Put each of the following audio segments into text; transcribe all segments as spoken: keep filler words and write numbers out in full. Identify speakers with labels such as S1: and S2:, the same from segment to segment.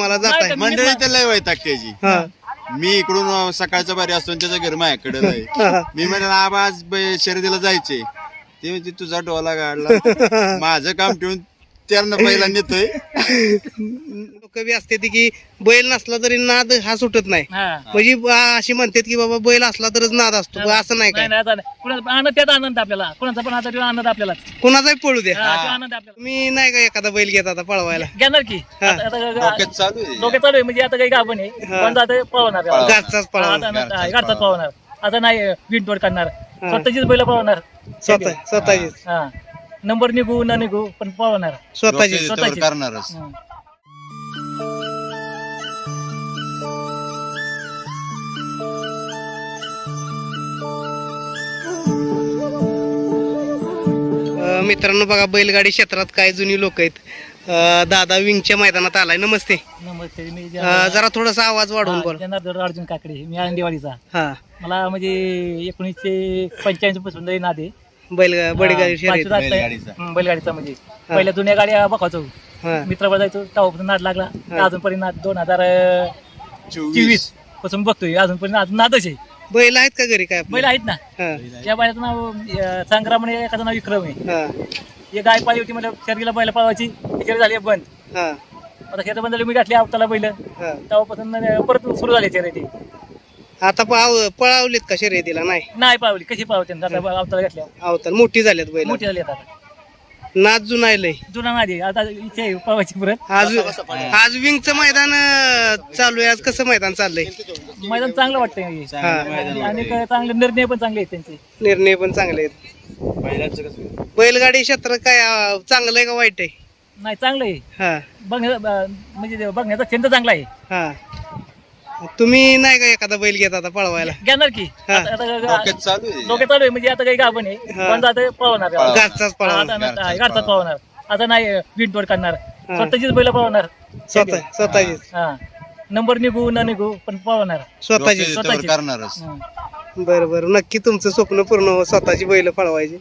S1: तुम्हाला जाताय
S2: मंडळी तर लय वैताग त्याची.
S1: हा
S2: मी इकडून सकाळचा बारी असतो आणि त्याचं घर माझ्याकडे आहे. मी म्हणलं आबा आज ब- शर्यतीला जायचे, ते म्हणजे तुझा डोला काढला. माझं काम ठेवून त्यांना पहिला नेतोय.
S1: लोक बी असते ती की बैल नसला तरी नाद हा सुटत नाही, म्हणजे बा- अशी म्हणतात की बाबा बैल असला तरच नाद असतो, पण असं नाही काय.
S3: कुणाचा आनंद त्याचा आनंद आपल्याला, कुणाचा पण आता तो आनंद आपल्याला,
S1: कुणाचाही पळू द्या.
S3: हा, तो आनंद आपल्याला.
S1: मी नाही का एखादा बैल घेत आता पळवायला
S3: घेणार की
S1: हा.
S3: आता- आता-
S2: डोक्यात चालू आहे.
S3: डोक्यात चालू आहे, म्हणजे आता काही गाभण आहे
S1: हा.
S3: पण आता पळवणार
S2: पळवणार.
S1: घरचाच पळवणार.
S3: घरचाच पळवणार. आता नाही विंटवर करणार, स्वतःचीच बैल पळवणार.
S1: स्वतः स्वतःचीच
S3: हा नंबर निघू न निघू पण पळवणार.
S1: स्वतःची
S2: डोक्यात
S3: स्वतःची.
S2: इथवर करणारच.
S3: हं.
S1: अं, मित्रांनो बघा बैलगाडी क्षेत्रात काय जुनी लोक आहेत. अं, दादा विंगच्या मैदानात आलाय. नमस्ते.
S3: नमस्ते मी
S1: अं, जरा थोडासा आवाज वाढवून बोल.
S3: जनार्दन अर्जुन काकडे, मी आळंदीवाडीचा.
S1: हा
S3: मला म्हणजे एकोणीसशे पंच्याऐंशी पासून लई नाद आहे.
S1: बैल बैलगाडी
S3: हा,
S1: शर्यत.
S3: पाचवी रात-
S2: बैलगाडीचा.
S3: हं, बैलगाडीचा म्हणजे पहिल्या जुन्या गाड्या बघायचो,
S1: हा
S3: मित्रावर जायचो, तेव्हापासून नाद लागला.
S1: हा.
S3: अजूनपर्यंत नाद दोन हजार
S2: चोवीस
S3: चोवीस पासून बघतोय, अजूनपर्यंत नाद- नादच आहे.
S1: बैल आहेत का घरी काय आपले?
S3: बैल आहेत ना,
S1: हा
S3: त्या बैलाचं नाव अं, संग्राम आणि एखादं नाव विक्रम आहे.
S1: हा
S3: एक गाय पाळली होती, म्हणजे शर्यतीला बैल पळवायची, त्याच्यावर झाली बंद.
S1: हा
S3: आता शेत बंद झाली, मी घातली आवताला बैल,
S1: हा.
S3: तेव्हापासून अं, परत सुरू झाली शर्यती.
S1: आता पाव पळावलीत का शर्यतीला? नाही
S3: नाही पावली, कशी पावते आता आवताला घातल्या,
S1: अवतार मोठी झाल्यात बैल.
S3: मोठी झाली आता.
S1: नाच जुनायलंय.
S3: जुना नादी आता इथे आहे पळवायची परत.
S1: आज आज विंगचं मैदान अं, चालू आहे. आज कसं मैदान चाललंय?
S3: मैदान चांगलं वाटतंय
S1: हा.
S3: आणि काय चांगले निर्णय पण चांगले आहेत त्यांचे.
S1: निर्णय पण चांगले आहेत. बैलगाडी क्षेत्र काय अं, चांगलं आहे का वाईट आहे?
S3: नाही चांगलं आहे,
S1: हा
S3: बघण्या म्हणजे बघण्याचा छंद चांगला आहे.
S1: हा तुम्ही नाही का एखादा बैल घेत आता पळवायला?
S3: घेणार की
S1: हा.
S3: आता- आता-
S2: डोक्यात चालू आहे.
S3: डोक्यात चालू आहे, म्हणजे आता काही गाभण आहे
S1: हा.
S3: पण आता पळवणार.
S1: घरचाच
S3: हा,
S1: पळवणार.
S3: आता- हा, घरचाच पळवणार. आता नाही विंटवर करणार,
S1: हा.
S3: स्वतःचीच बैल पळवणार.
S1: स्वतः स्वतःचीच
S3: हा नंबर निघू न निघू पण पळवणार.
S1: स्वतःची.
S2: डोक्यात इथवर
S3: स्वतःची.
S2: करणारच.
S3: हं.
S1: बरं बरं नक्की तुमचं स्वप्न पूर्ण हो, स्वतःची बैल पळवायची.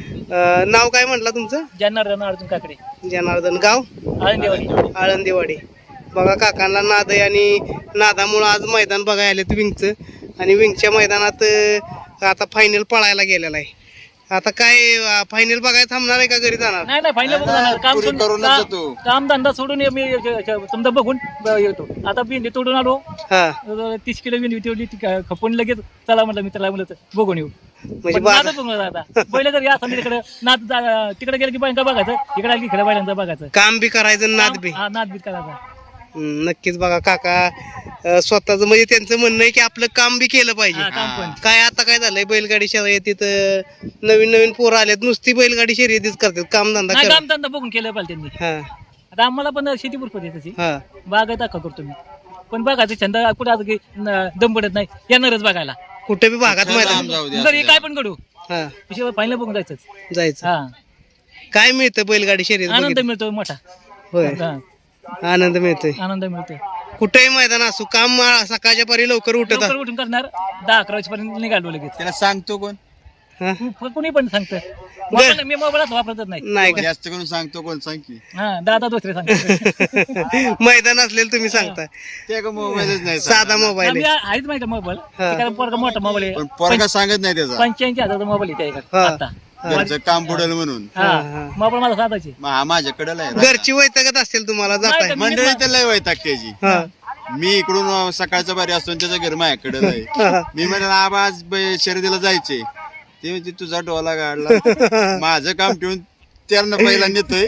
S1: अं, नाव काय म्हटलं तुमचं?
S3: जनार्दन अर्जुन काकडे,
S1: जनार्दन. गाव?
S3: आळंदीवाडी.
S1: आळंदीवाडी. बघा काकांना नाद आहे आणि नादामुळं आज मैदान बघायला आलेत विंगचं. आणि विंगच्या मैदानात अं, आता फायनल पळायला गेलेला आहे. आता काय फायनल बघायला थांबणार आहे का घरी जाणार?
S3: नाही नाही फायनल बघून जाणार. काम
S2: पुरी
S3: सोडून
S2: करूनच
S3: का-
S2: जातो.
S3: काम धंदा सोडून ये- मी समजा बघून ब- येतो. आता भेंडी तोडून आलो,
S1: हा
S3: तीस किलो भेंडी ठेवली, ती का- खपून लगेच चला म्हटलं मित्राला म्हणलं बघून येऊ.
S1: म्हणजे
S3: पण
S1: बाजार-
S3: नादच बघून आता पहिलं जर या समजा तिकडे नाद जा- तिकडे गेलं की बायका बघायचं, इकडे आली की इकडे बायकांचं बघायचं.
S1: काम बी करायचं नाद बी.
S3: हा, नाद बीत करायचा.
S1: हम्म, नक्कीच बघा काका अं, स्वतःचं म्हणजे त्यांचं म्हणणं आहे की आपलं काम बी केलं पाहिजे.
S3: हा, काम पण.
S1: काय आता काय झालंय बैलगाडी शर्यतीत अं, नवीन नवीन पोरं आलेत, नुसती बैलगाडी शर्यतीच करतात, काम धंदा
S3: नाही
S1: करत.
S3: काम धंदा बघून केलं पाहिजे त्यांनी.
S1: हा
S3: आता आम्हाला पण शेती भरपूर आहे तशी,
S1: हा
S3: बागायत दाखवा करतो मी, पण बघायचं छंद कुठे आता की न- दम पडत नाही, येणारच बघायला.
S1: कुठे बी भागात
S2: लांब
S1: मैदान.
S2: जाऊ दे,
S3: घरी
S2: असू
S3: काय
S2: द्या.
S3: पण घडू,
S1: हा
S3: फायनल बघून जायचंच.
S1: जायचं.
S3: हा
S1: काय मिळतं बैलगाडी शर्यत
S3: आनंद
S1: बघितलं?
S3: मिळतो मोठा.
S1: होय
S3: हा,
S1: आनंद मिळतोय.
S3: आनंद मिळतो.
S1: कुठेही मैदान असू, काम आ- सकाळच्या परी लवकर उठत
S3: लवकर उठून करणार, दहा अकरा वाजेपर्यंत निघालो लगेच.
S2: त्याला सांगतो कोण?
S1: हा?
S3: कु- कुणी पण सांगतं. मोबाईल- मी मोबाईलच वापरतच नाही.
S1: नाही का?
S2: जास्त करून सांगतो कोण? सांग की.
S3: हा दादा दुसरे सांगतो.
S1: मैदान असलेलं तुम्ही सांगता.
S2: ते का मोबाईलच नाही
S1: साधा मोबाईल
S3: आम्ही
S1: आहे.
S3: आहेच माहिती मोबाईल,
S1: हा.
S3: कारण पोरगा मोठा मोबाईल आहे.
S2: पण पोरगा सांगत नाही त्याचा.
S3: पंच्याऐंशी हजारचा मोबाईल आहे त्याच्याकडे
S1: हा.
S3: आता.
S2: घरचं काम बुडेल म्हणून.
S3: हा
S1: हा.
S3: मोबाईल माझा साधाच आहे.
S2: मग हा माझ्याकडे लय.
S1: घरची वैतागत असेल तुम्हाला जाताय.
S3: नाही,
S2: मंडळी तर लय वैताग त्याची.
S1: हा
S2: मी इकडून सकाळचा बारी असतो आणि त्याचं घर माझ्याकडे आहे.
S1: हा.
S2: मी म्हणलं आबा आज ब- शर्यतीला जायचे, ते म्हणजे तुझा डोला काढला. माझं काम ठेवून त्यांना पहिला नेतोय.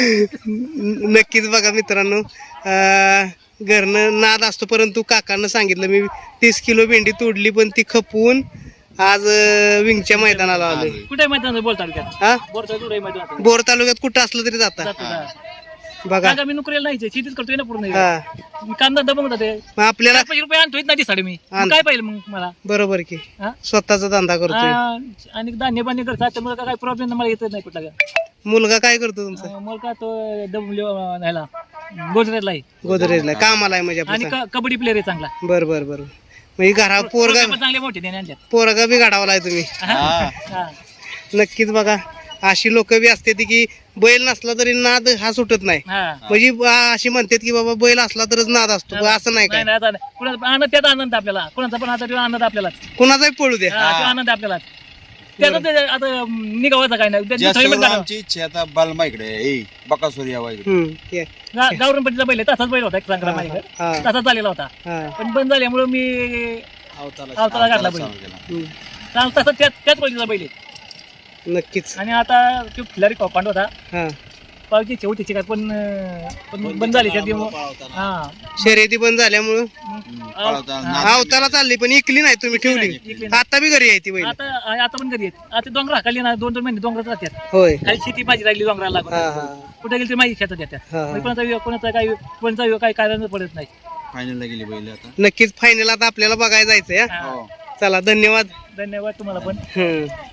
S1: नक्कीच बघा मित्रांनो, अं, घरनं नाद असतो, परंतु काकांना सांगितलं मी तीस किलो भेंडी तोडली पण ती खपवून आज अं, विंगच्या मैदानाला आलोय.
S3: कुठे माहिती बोल तालुक्यात,
S1: हा
S3: बोरचा कुठे माहिती
S1: बोर तालुक्यात कुठं असलं तरी जाता बघा.
S3: मी नोकरीला नाही, शेतीच करतोय ना पूर्ण.
S1: हा
S3: मी कांदा दबंग जाते,
S1: मग आपल्याला
S3: पाचशे रुपये आणतोय ना ती साडी मी.
S1: आण.
S3: मग काय पाहिजे मग मला?
S1: बरोबर की
S3: हा?
S1: स्वतःचा धंदा करतोय.
S3: आ, आणि धान्य बान्य करतात, त्यामुळे काय प्रॉब्लेम मला येतच नाही कुठला.
S1: मुलगा काय करतो तुमचा?
S3: अं, मला का तो डब्ल्यू ह्याला गोजरेला आहे
S1: गोदरेजला कामाला आहे म्हणजे
S3: आणि
S1: आपला.
S3: क- कबड्डी प्लेअर आहे चांगला.
S1: बर बर बर म्हणजे घरा पोरगा
S3: पण चांगले मोठे त्याने आणल्यात.
S1: पोरगा बी गाडावलाय तुम्ही.
S2: हा.
S3: हा.
S1: नक्कीच बघा, अशी लोक बी असते ती की बैल नसला तरी नाद हा सुटत नाही.
S3: हा
S1: म्हणजे आ, अशी म्हणतात की बाबा बैल असला तरच नाद असतो, पण असं नाही काय.
S3: नाही नाही, आता नाही. कुणाचा आनंद त्याचा आनंद आपल्याला, कुणाचा पण आता तो आनंद आपल्याला,
S1: कुणाचाही पळू द्या.
S3: हा, तो आनंद आपल्याला त्याचा ते आता निघावायचा काय नाही, त्याची
S2: जास्त
S3: थैमान
S2: करून
S3: काढावं.
S2: आमची इच्छा आता बालमा इकडे ए बकासूर यावा इकडे.
S1: हम्म, ते.
S3: गा- गावरान पट्टीचा बैल आहे, तसाच बैल होता एक संग्राम माझ्याकडे,
S1: हा,
S3: तसाच झालेला होता.
S1: हा,
S3: पण बंद झाल्यामुळे मी अवताला घातला बैल.
S2: चालू केला.
S1: हम्म.
S3: चांगला तसा त्याच त्याच पट्टीचा बैल आहे.
S1: नक्कीच.
S3: आणि आता तो खिलारी पांड होता,
S1: हा,
S3: पावची शेवटी काय पण अं, पण बंद झाली त्याची. हा
S1: शर्यती बंद झाल्यामुळं
S2: हम्म, पळवता, नाद
S1: अवताला चालली, पण इकली नाही तुम्ही, ठेवली.
S3: इकली
S1: आता बी घरी आहे ती बैल.
S3: आता आता पण घरी आहेत. आता डोंगर हाकाली ना, दोन दोन महिने डोंगरात राहतात.
S1: होय.
S3: खाली शेती माझी राहिली डोंगराला लागून,
S1: हा, हा,
S3: कुठे गेली तरी माझी शेतात येतात.
S1: हा.
S3: मग कोणाचा वियोग- कोणाचा काही कोणाचा वियोग काही कारण पडत नाही.
S2: फायनलला गेली बैल आता.
S1: नक्कीच फायनल आता आपल्याला बघायला जायचंय. हा.
S3: हा.
S2: हो
S1: चला, धन्यवाद.
S3: धन्यवाद तुम्हाला पण.
S1: हम्म.